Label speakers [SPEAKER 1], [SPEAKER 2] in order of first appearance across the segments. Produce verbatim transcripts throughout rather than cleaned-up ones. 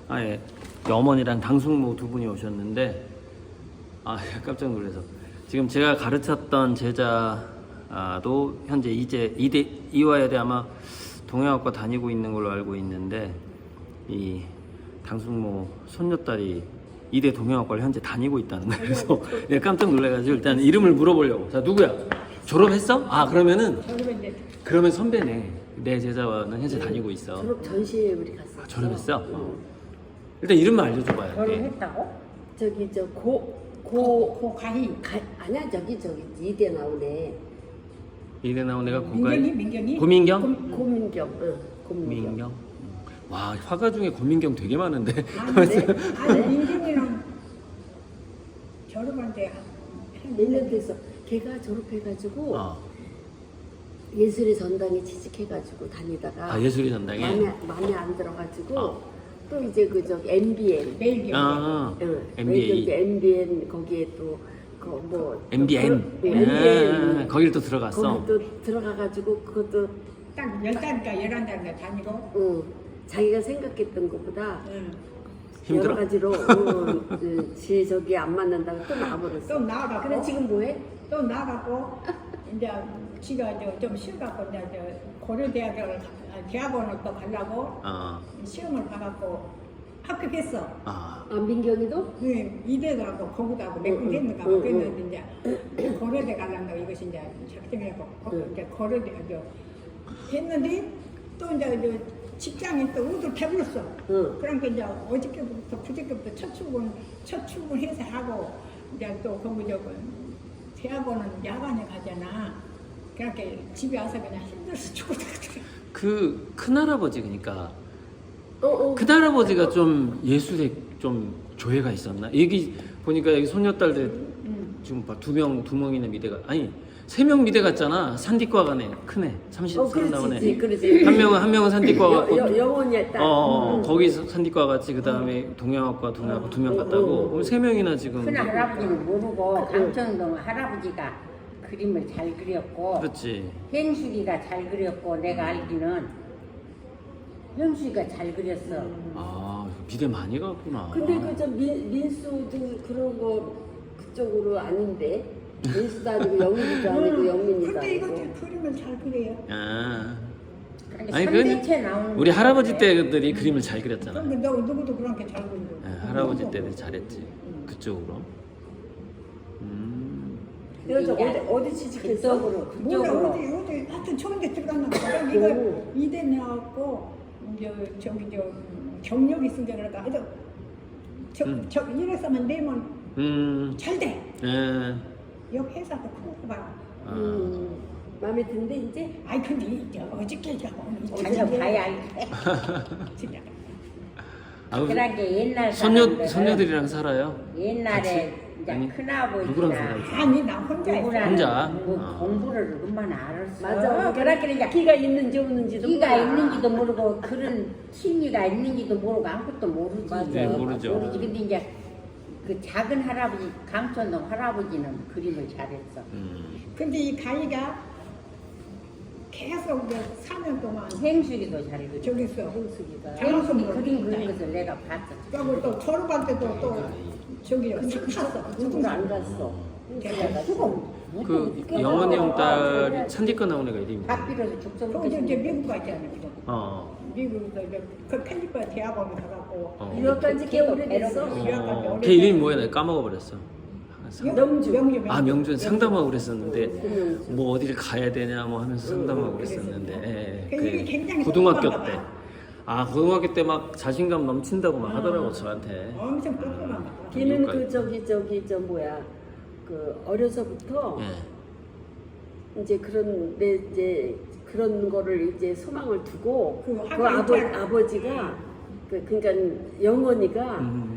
[SPEAKER 1] 아, 예. 어머니랑 당숙모 두 분이 오셨는데, 아, 깜짝 놀라서. 지금 제가 가르쳤던 제자도 현재 이제 이대, 이화여대 아마 동양학과 다니고 있는 걸로 알고 있는데, 이 당숙모 손녀딸이 이대 동양학과를 현재 다니고 있다는 거예요. 그래서 내가 깜짝 놀라가지고 일단 이름을 물어보려고. 자, 누구야? 졸업했어? 아, 그러면은, 그러면 선배네. 내 제자와는 현재 다니고 있어.
[SPEAKER 2] 졸업 전시회 우리 갔어.
[SPEAKER 1] 아, 졸업했어? 응. 일단 이름만 알려줘봐요.
[SPEAKER 3] 결혼했다고?
[SPEAKER 2] 저기 저 고
[SPEAKER 3] 고,
[SPEAKER 2] 고
[SPEAKER 3] 고가희.
[SPEAKER 2] 가, 아니야 저기 저기 이대 나오네.
[SPEAKER 1] 이대 나온 애가 고가
[SPEAKER 3] 민경이? 민경이?
[SPEAKER 1] 고민경?
[SPEAKER 2] 고, 고민경. 응. 고민경.
[SPEAKER 1] 민경? 와, 화가 중에 고민경 되게 많은데.
[SPEAKER 3] 아니, 네? 아니 민경이랑 결혼한 지
[SPEAKER 2] 몇 년 됐어. 걔가 졸업해가지고
[SPEAKER 1] 어.
[SPEAKER 2] 예술의 전당에 취직해가지고 다니다가
[SPEAKER 1] 아, 예술의 전당에?
[SPEAKER 2] 마음에 마음에 안 들어가지고
[SPEAKER 1] 어.
[SPEAKER 2] 또 이제 그 저기 엠비엔.
[SPEAKER 3] 매일 경기.
[SPEAKER 1] 아,
[SPEAKER 2] 응.
[SPEAKER 1] 엠비에이.
[SPEAKER 2] 엠비엔 거기에 또 그 뭐
[SPEAKER 1] 엠비엔.
[SPEAKER 2] 엠비엔
[SPEAKER 1] 아, 거길 또 들어갔어.
[SPEAKER 2] 거기 또 들어가가지고 그것도
[SPEAKER 3] 딱 열 달인가 열한 달인가 다니고.
[SPEAKER 2] 응. 자기가 생각했던 것보다
[SPEAKER 3] 응.
[SPEAKER 1] 힘들어?
[SPEAKER 2] 여러 가지로 응, 응, 지 저기 안 맞는다고 또 나와버렸어.
[SPEAKER 3] 또 나가고.
[SPEAKER 2] 그래 지금 뭐해?
[SPEAKER 3] 또 나가고 이제 지가 이제 좀 쉬어갖고 이제 저 고려대학을 가- 대학원을 또 가려고
[SPEAKER 1] 어.
[SPEAKER 3] 시험을 봐갖고 합격했어.
[SPEAKER 1] 아,
[SPEAKER 2] 아 민경이도?
[SPEAKER 3] 그 이대 가고 거기 가고 몇 군
[SPEAKER 2] 응,
[SPEAKER 3] 됐는가
[SPEAKER 2] 응,
[SPEAKER 3] 그랬는데 이제 고려대 가려고 이것이 이제 작정해갖고 고-
[SPEAKER 2] 응.
[SPEAKER 3] 이제 고려대 이제 했는데 또 이제 이제 직장에 또 우들 배불렀어.
[SPEAKER 2] 응.
[SPEAKER 3] 그러니까 이제 어저께부터 그저께부터 첫 출근 첫 출근해서 하고 이제 또 거기 저 대학원은 야간에 가잖아. 그러니까 집에 와서 그냥 힘들어서 죽었거든.
[SPEAKER 1] 그 큰할아버지, 그러니까.
[SPEAKER 2] 어, 어.
[SPEAKER 1] 큰할아버지가 좀 예술에 좀 조예가 있었나? 여기 보니까 여기 손녀딸들
[SPEAKER 3] 응.
[SPEAKER 1] 지금 봐, 두 명, 두 명이나 미대가, 아니, 세 명 미대 갔잖아. 산디과 가네. 크네. 삼십
[SPEAKER 2] 어,
[SPEAKER 1] 살 나오네.
[SPEAKER 2] 그렇지, 그렇지.
[SPEAKER 1] 한 명은, 한 명은 산디과
[SPEAKER 2] 여,
[SPEAKER 1] 갔고.
[SPEAKER 2] 여, 영혼이야 딱.
[SPEAKER 1] 어, 어,
[SPEAKER 2] 응.
[SPEAKER 1] 거기서 산디과 갔지. 그 다음에 동양학과, 동양학과 두 명
[SPEAKER 2] 응,
[SPEAKER 1] 갔다고.
[SPEAKER 2] 응.
[SPEAKER 1] 그럼 세 명이나 지금.
[SPEAKER 4] 큰 할아버지는 모르고 강천동 할아버지가 그림을 잘 그렸고
[SPEAKER 1] 그렇지.
[SPEAKER 4] 행수기가 잘 그렸고 내가 알기는 행수기가 잘 그렸어.
[SPEAKER 1] 아, 미대 많이 갔구나.
[SPEAKER 2] 근데 그 저 민수도 그런 거 그쪽으로 아닌데 민수도 아니고 영민이도 아니고 영민이도
[SPEAKER 3] 근데
[SPEAKER 2] 아니고.
[SPEAKER 3] 이것들 그림을 잘 그려요.
[SPEAKER 1] 아.
[SPEAKER 4] 그러니까
[SPEAKER 1] 아니,
[SPEAKER 4] 삼대체
[SPEAKER 1] 그
[SPEAKER 4] 나오는
[SPEAKER 1] 우리
[SPEAKER 4] 거
[SPEAKER 1] 할아버지
[SPEAKER 4] 같아.
[SPEAKER 1] 때들이 그림을 잘 그렸잖아.
[SPEAKER 3] 근데 너 누구도 그렇게 잘 그리고.
[SPEAKER 1] 네, 할아버지 때는 잘했지. 그쪽으로. 음.
[SPEAKER 2] 내가 저 어디 어디 취직했어?
[SPEAKER 4] 그쪽으로
[SPEAKER 3] 몰라
[SPEAKER 4] 그쪽으로
[SPEAKER 3] 어디 어디 하여튼 좋은 데 들어갔나 봐. 이거 이대 나왔고 이제 저기 저 경력이 있으니까 그럴까. 하여튼 저,
[SPEAKER 1] 음.
[SPEAKER 3] 저 이래서만 내면
[SPEAKER 1] 음.
[SPEAKER 3] 잘 돼.
[SPEAKER 1] 예.
[SPEAKER 3] 여기 회사도 크고 봐.
[SPEAKER 1] 아.
[SPEAKER 2] 음, 마음에 드는데 이제
[SPEAKER 3] 아이 근데 이제 어저께 저
[SPEAKER 4] 가서 봐야 알지.
[SPEAKER 3] 진짜.
[SPEAKER 1] 아, 그
[SPEAKER 4] 그러니까 옛날
[SPEAKER 1] 손녀
[SPEAKER 4] 사람들은
[SPEAKER 1] 손녀들이랑 살아요?
[SPEAKER 4] 옛날에 이제
[SPEAKER 1] 아니,
[SPEAKER 4] 큰아버지나
[SPEAKER 1] 누구랑 살아요?
[SPEAKER 3] 아니 나 혼자 있어.
[SPEAKER 4] 누구랑
[SPEAKER 1] 혼자?
[SPEAKER 4] 뭐
[SPEAKER 1] 어.
[SPEAKER 4] 공부를 얼마나 알았어.
[SPEAKER 2] 맞아.
[SPEAKER 4] 그렇게 이제
[SPEAKER 2] 기가 있는지 없는지도
[SPEAKER 4] 끼가
[SPEAKER 2] 몰라.
[SPEAKER 4] 있는지도 모르고 그런 취미가 있는지도 모르고 아무것도 모르지.
[SPEAKER 2] 맞아.
[SPEAKER 1] 네, 모르죠.
[SPEAKER 4] 모르지. 근데 이제 그 작은 할아버지 강천동 할아버지는 그림을 잘했어.
[SPEAKER 1] 음.
[SPEAKER 3] 근데 이 가희가 계속 이제 사 년 동안
[SPEAKER 4] 행수기도 잘 그려.
[SPEAKER 3] 저기 있어.
[SPEAKER 2] 형수기가.
[SPEAKER 4] 행수기 그림 그린 것을 내가 봤어.
[SPEAKER 3] 그리고 또 졸업할 때도 또 저기 탔어.
[SPEAKER 2] 그쪽으로 안 갔어.
[SPEAKER 3] 걔가
[SPEAKER 4] 죽어.
[SPEAKER 1] 그 영원이 형 딸이 산디과 나온 애가 이름이 뭐야?
[SPEAKER 4] 밥비로서 죽서
[SPEAKER 3] 그 이제 이제 미국 가잖아.
[SPEAKER 1] 어.
[SPEAKER 3] 미국에서 이제 그 캘리포니아 대학원 가갖고
[SPEAKER 1] 어.
[SPEAKER 2] 유학 간지 꽤 오래됐어.
[SPEAKER 1] 어. 걔 이름이 뭐야? 내가 까먹어 버렸어.
[SPEAKER 2] 명주.
[SPEAKER 3] 명주
[SPEAKER 1] 아, 명준 상담하고 그랬었는데 뭐 어디를 가야 되냐 뭐 하면서 상담하고 그랬었는데. 예,
[SPEAKER 3] 그 일이 굉장히
[SPEAKER 1] 고등학교
[SPEAKER 3] 똑똑한가
[SPEAKER 1] 때.
[SPEAKER 3] 봐.
[SPEAKER 1] 아, 고등학교 때 막 자신감 넘친다고 막 하더라고 저한테.
[SPEAKER 3] 엄청 똑똑한가 봐.
[SPEAKER 2] 걔는
[SPEAKER 1] 미국
[SPEAKER 2] 그
[SPEAKER 1] 갈
[SPEAKER 2] 저기 저기 저 뭐야 그 어려서부터
[SPEAKER 1] 예.
[SPEAKER 2] 이제 그런 내 이제 그런 거를 이제 소망을 두고
[SPEAKER 3] 그
[SPEAKER 2] 그,
[SPEAKER 3] 학교
[SPEAKER 2] 아버
[SPEAKER 3] 입학-
[SPEAKER 2] 아버지가 그 그러니까 영원이가
[SPEAKER 1] 음.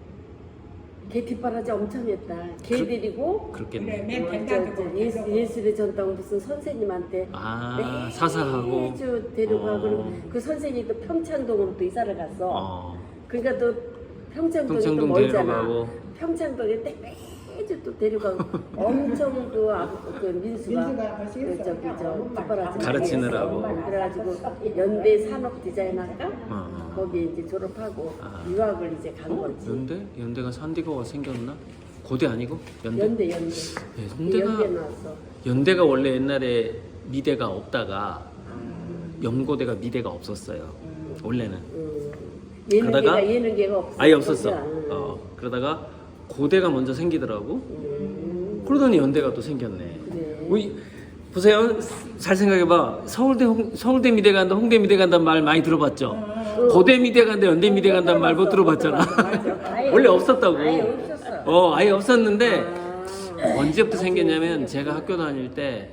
[SPEAKER 2] 걔 뒷바라지 엄청 했다. 걔
[SPEAKER 1] 그-
[SPEAKER 2] 데리고
[SPEAKER 3] 그래
[SPEAKER 1] 그렇겠네.
[SPEAKER 3] 맨
[SPEAKER 2] 어, 저,
[SPEAKER 3] 벤다도
[SPEAKER 2] 저 예수, 예술의 전당 무슨 선생님한테
[SPEAKER 1] 아, 사사하고.
[SPEAKER 2] 매주 데려가고
[SPEAKER 1] 어.
[SPEAKER 2] 그리고 그 선생님이 또 평창동으로 또 이사를 갔어.
[SPEAKER 1] 어.
[SPEAKER 2] 그러니까 또 평창동이 또
[SPEAKER 1] 평창동
[SPEAKER 2] 멀잖아.
[SPEAKER 1] 데려가고.
[SPEAKER 2] 평창동에 때 매주 또 데려가고 엄청 그, 아, 그 민수가
[SPEAKER 3] 민수가 벌써
[SPEAKER 2] 그
[SPEAKER 3] 했어.
[SPEAKER 2] 저기 저 뒷바라지
[SPEAKER 1] 가르치느라고.
[SPEAKER 2] 그래가지고 연대 산업 디자인학과
[SPEAKER 1] 어.
[SPEAKER 2] 거기 이제 졸업하고
[SPEAKER 1] 아.
[SPEAKER 2] 유학을 이제 간
[SPEAKER 1] 어?
[SPEAKER 2] 거지.
[SPEAKER 1] 연대? 연대가 산디거가 생겼나? 고대 아니고? 연대?
[SPEAKER 2] 연대 연대.
[SPEAKER 1] 네,
[SPEAKER 2] 그
[SPEAKER 1] 연대가
[SPEAKER 2] 연대 나왔어.
[SPEAKER 1] 연대가 원래 옛날에 미대가 없다가 연고대가 미대가 없었어요. 원래는
[SPEAKER 2] 음. 예능계가
[SPEAKER 1] 그러다가
[SPEAKER 2] 예능계가 없어.
[SPEAKER 1] 아예 없었어.
[SPEAKER 2] 음.
[SPEAKER 1] 어, 그러다가 고대가 먼저 생기더라고.
[SPEAKER 2] 음.
[SPEAKER 1] 그러더니 연대가 또 생겼네.
[SPEAKER 2] 그래.
[SPEAKER 1] 우리 보세요. 잘 생각해봐. 서울대 홍, 서울대 미대 간다, 홍대 미대 간다는 말 많이 들어봤죠. 고대 미대 간다, 연대 미대 간다는 말 못 들어봤잖아.
[SPEAKER 4] 아예
[SPEAKER 1] 원래 없었다고.
[SPEAKER 4] 아예 없었어.
[SPEAKER 1] 어, 아예 없었는데
[SPEAKER 2] 아.
[SPEAKER 1] 언제부터 생겼냐면 제가 학교 다닐 때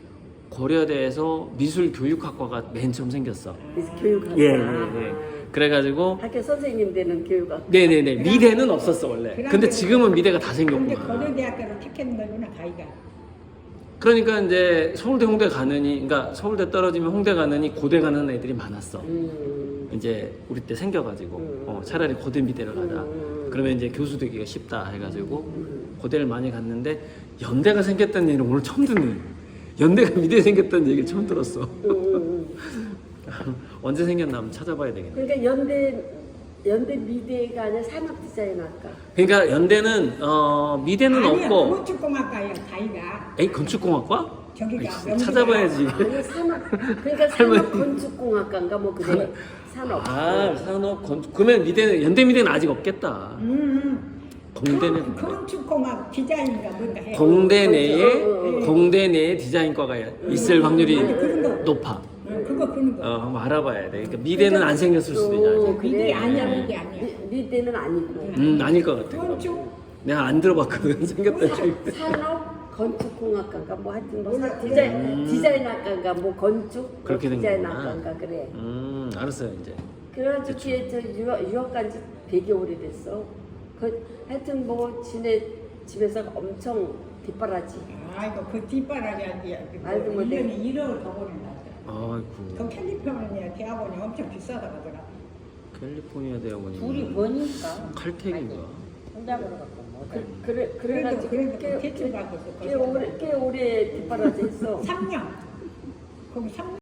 [SPEAKER 1] 고려대에서 미술교육학과가 맨 처음 생겼어.
[SPEAKER 2] 그래서 교육학과.
[SPEAKER 1] 예, 예, 예. 그래가지고
[SPEAKER 2] 학교 선생님 되는 교육학과.
[SPEAKER 1] 네네네 미대는 없었어 원래. 근데 지금은 미대가 다
[SPEAKER 3] 근데
[SPEAKER 1] 생겼구나.
[SPEAKER 3] 고려대학교를 택했는 거구나 가이가.
[SPEAKER 1] 그러니까 이제 서울대 홍대 가느니, 그러니까 서울대 떨어지면 홍대 가느니 고대 가는 애들이 많았어.
[SPEAKER 2] 음.
[SPEAKER 1] 이제 우리 때 생겨가지고
[SPEAKER 2] 음.
[SPEAKER 1] 어, 차라리 고대 미대를 가자.
[SPEAKER 2] 음.
[SPEAKER 1] 그러면 이제 교수 되기가 쉽다 해가지고 고대를 많이 갔는데 연대가 생겼다는 얘기를 오늘 처음 듣네. 연대가 미대 생겼다는 얘기를 처음 들었어.
[SPEAKER 2] 음.
[SPEAKER 1] 언제 생겼나 한번 찾아봐야 되겠네.
[SPEAKER 2] 그러니까 연대 연대 미대가 아니라 산업 디자인학과.
[SPEAKER 1] 그러니까 연대는 어, 미대는
[SPEAKER 3] 아니야,
[SPEAKER 1] 없고
[SPEAKER 3] 건축공학과야 가이가.
[SPEAKER 1] 에이 건축공학과?
[SPEAKER 3] 저기가
[SPEAKER 1] 아이,
[SPEAKER 3] 명문대가.
[SPEAKER 1] 찾아봐야지.
[SPEAKER 2] 아니 산업 그러니까 산업 건축공학과인가 뭐 그래. 산업.
[SPEAKER 1] 아 산업 건축. 그러면 미대는 연대 미대는 아직 없겠다.
[SPEAKER 3] 음.
[SPEAKER 1] 공대는
[SPEAKER 3] 건- 건축공학 디자인인가 뭔가 해.
[SPEAKER 1] 공대 내에
[SPEAKER 2] 어,
[SPEAKER 3] 어.
[SPEAKER 1] 공대 내에 디자인과가 있을 확률이
[SPEAKER 3] 아니, 그런 거.
[SPEAKER 1] 높아.
[SPEAKER 3] 어, 그거 그런 거.
[SPEAKER 1] 어, 한번 알아봐야 돼. 그러니까 미대는 안 생겼을 수도 있잖아.
[SPEAKER 2] 어,
[SPEAKER 3] 미대
[SPEAKER 2] 그래.
[SPEAKER 3] 아니야 미대 아니야.
[SPEAKER 2] 미- 미대는 아니고.
[SPEAKER 1] 음 아닐 것 같아.
[SPEAKER 3] 건축
[SPEAKER 1] 내가 안 들어봤거든 생겼다 지
[SPEAKER 2] 산업 건축공학과인가 뭐 하여튼 뭐
[SPEAKER 3] 몰라,
[SPEAKER 2] 사- 디자인
[SPEAKER 1] 음.
[SPEAKER 2] 디자인학과인가 뭐 건축
[SPEAKER 1] 그렇게
[SPEAKER 2] 뭐
[SPEAKER 1] 된 거구나.
[SPEAKER 2] 디자인학과인가 그래.
[SPEAKER 1] 음 알았어요 이제.
[SPEAKER 2] 그래가지고 뒤에 저 유학, 유학 간지 되게 오래됐어. 그 하여튼 뭐 지네 집에서 엄청 뒷바라지.
[SPEAKER 3] 아이고 그 뒷바라지 아니야.
[SPEAKER 2] 아이고, 뭐
[SPEAKER 3] 일
[SPEAKER 2] 내-
[SPEAKER 3] 년에 일억을 더 보낸다. 그
[SPEAKER 1] 아이고
[SPEAKER 3] 캘리포니아 대학원이 엄청 비싸다고 하더라.
[SPEAKER 1] 캘리포니아 대학원이
[SPEAKER 4] 둘이 버니까
[SPEAKER 1] 칼텍인가?
[SPEAKER 4] 혼자 걸어갖고 못
[SPEAKER 2] 그,
[SPEAKER 4] 해.
[SPEAKER 2] 그래 그래가지고
[SPEAKER 3] 그래도
[SPEAKER 2] 꽤,
[SPEAKER 3] 대출 받고 있어.
[SPEAKER 2] 꽤 오래 꽤 오래 뒷바라지 했어.
[SPEAKER 3] 삼 년. 거기 삼 년.